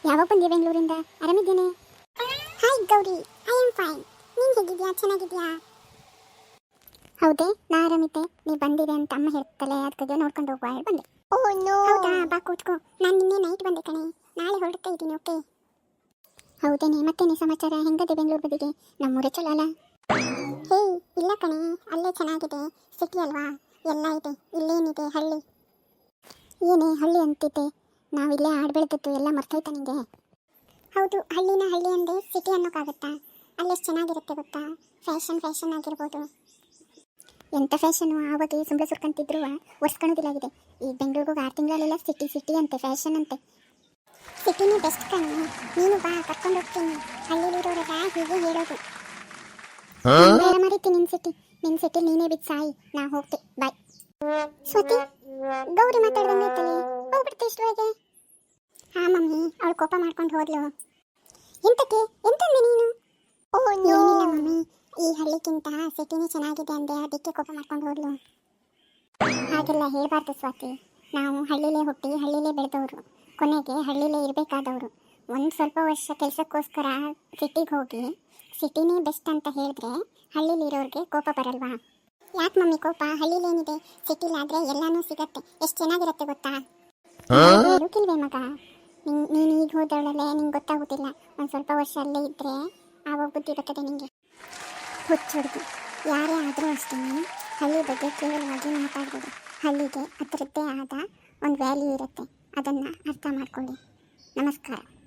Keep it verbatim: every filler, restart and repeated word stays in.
ಯಾವಾಗ ಬಂದೆ ಬೆಂಗಳೂರಿಂದ? ಆರಾಮಿದ್ದೇನೆ. Hi Gauri, I am fine. ನೀನು ಹೇಗಿದ್ಯಾ? ಚೆನ್ನಾಗಿದ್ಯಾ? ಹೌದೇ, ನಾ ಆರಾಮಿದ್ದೆ. ನೀ ಬಂದಿದೆ ಅಂತ ಅಮ್ಮ ಹೇಳ್ತಲೆ, ಅದಕ್ಕೆ ನೋಡ್ಕೊಂಡು ಹೋಗುವ ಹೇಳಿ ಬಂದೆ. Oh no. ಹೌದಾ, ಬಾ ಕೂತ್ಕೋ. ನಾನು ನಿನ್ನೆ ನೈಟ್ ಬಂದೆ ಕಣೆ, ನಾಳೆ ಹೊರಡ್ತಾ ಇದ್ದೀನಿ. ಓಕೆ. ಹೌದೇನೆ, ಮತ್ತೇನೆ ಸಮಾಚಾರ? ಹೆಂಗದೆ ಬೆಂಗಳೂರು ಬದಿಗೆ? ನಮ್ಮೂರೇ ಚಲೋ ಅಲ್ಲ? ಹೇ ಇಲ್ಲ ಕಣೆ, ಅಲ್ಲೇ ಚೆನ್ನಾಗಿದೆ. ಸಿಟಿ ಅಲ್ವಾ, ಎಲ್ಲ ಇದೆ. ಇಲ್ಲೇನಿದೆ ಹಳ್ಳಿ? ಏನೇ ಹಳ್ಳಿ ಅಂತಿದ್ದೆ? ನಾವಿಲ್ಲೇ ಆಡ್ ಬೆಳೆದದ್ದು ಎಲ್ಲ ಮರ್ತೋಯ್ತಾ ನಿಂಗೆ? ಹೌದು, ಹಳ್ಳಿನ ಹಳ್ಳಿ ಅಂದೆ ಸಿಟಿ ಅನ್ನೋಕ್ಕಾಗುತ್ತಾ? ಅಲ್ಲೆಷ್ಟು ಚೆನ್ನಾಗಿರುತ್ತೆ ಗೊತ್ತಾ? ಫ್ಯಾಷನ್ ಫ್ಯಾಷನ್ ಆಗಿರ್ಬೋದು. ಎಂಥ ಫ್ಯಾಷನು, ಆವಾಗ ಸುಮ್ಮನೆ ಸುರ್ಕಂತಿದ್ರು ಒರ್ಸ್ಕೊಳೋದಿಲ್ಲಾಗಿದೆ. ಈ ಬೆಂಗಳೂರಿಗೆ ಆರು ತಿಂಗಳಲ್ಲೆಲ್ಲ ಸಿಟಿ ಸಿಟಿ ಅಂತೆ, ಫ್ಯಾಷನ್ ಅಂತೆ. ಸಿಟಿನೇ ಬೆಸ್ಟ್ ಕಣೆ. ನೀನು ಬಾ, ಕರ್ಕೊಂಡು ಹೋಗ್ತೀನಿ. ಹಳ್ಳಿಲಿರೋರೆಲ್ಲ ಹೀಗೆ ಹೇಳೋದು. ಬೇರೆ ಮರೀತಿ ನಿನ್ನ ಸಿಟಿ. ನಿನ್ನ ಸಿಟಿ ನೀನೇ ಬಿದ್ದು ಸಾಯಿ, ನಾ ಹೋಗ್ತೆ. ಬಾಯ್. ಸ್ವತಿ, ಗೌರಿ ಮಾತಾಡ್ದಂಗೈತಲೆ, ಹೋಗ್ಬಿಡ್ತೆ ಇಷ್ಟುವಾಗೆ. ಹಾ ಮಮ್ಮಿ, ಅವಳು ಕೋಪ ಮಾಡ್ಕೊಂಡು ಹೋದ್ಲು. ಎಂತಕ್ಕೆ? ಎಂತಂದೆ ನೀನು? ಓ ಏನಿಲ್ಲ ಮಮ್ಮಿ, ಈ ಹಳ್ಳಿಗಿಂತ ಸಿಟಿನೇ ಚೆನ್ನಾಗಿದೆ ಅಂದೆ, ಅದಕ್ಕೆ ಕೋಪ ಮಾಡ್ಕೊಂಡು ಹೋದ್ಲು. ಹಾಗೆಲ್ಲ ಹೇಳ್ಬಾರ್ದು ಸ್ವಾತಿ. ನಾವು ಹಳ್ಳಿಲೇ ಹುಟ್ಟಿ ಹಳ್ಳಿಲೇ ಬೆಳೆದವರು, ಕೊನೆಗೆ ಹಳ್ಳಿಲೇ ಇರಬೇಕಾದವರು. ಒಂದು ಸ್ವಲ್ಪ ವರ್ಷ ಕೆಲಸಕ್ಕೋಸ್ಕರ ಸಿಟಿಗೆ ಹೋಗಿ ಸಿಟಿನೇ ಬೆಸ್ಟ್ ಅಂತ ಹೇಳಿದ್ರೆ ಹಳ್ಳಿಲಿರೋರಿಗೆ ಕೋಪ ಬರಲ್ವಾ? ಯಾಕೆ ಮಮ್ಮಿ ಕೋಪ? ಹಳ್ಳಿಲೇನಿದೆ, ಸಿಟಿಲಾದರೆ ಎಲ್ಲನೂ ಸಿಗತ್ತೆ. ಎಷ್ಟು ಚೆನ್ನಾಗಿರುತ್ತೆ ಗೊತ್ತಾ? ಹೇಳೋಕಿಲ್ವೇ ಮಗ? ನೀನು ನೀನು ಈಗ ಹೋದವಳಲ್ಲೇ ನಿಂಗೆ ಗೊತ್ತಾಗೋದಿಲ್ಲ. ಒಂದು ಸ್ವಲ್ಪ ವರ್ಷ ಅಲ್ಲೇ ಇದ್ದರೆ ಆವಾಗ ಬುದ್ಧಿ ಬರ್ತದೆ ನಿಮಗೆ. ಹುಚ್ಚುಡ್ದು ಯಾರೇ ಆದರೂ ಅಷ್ಟೇ, ಹಳ್ಳಿ ಬಗ್ಗೆ ಕೇವಲವಾಗಿ ಮಾತಾಡ್ಬೋದು. ಹಳ್ಳಿಗೆ ಅದರದ್ದೇ ಆದ ಒಂದು ವ್ಯಾಲ್ಯೂ ಇರುತ್ತೆ, ಅದನ್ನು ಅರ್ಥ ಮಾಡ್ಕೊಳ್ಳಿ. ನಮಸ್ಕಾರ.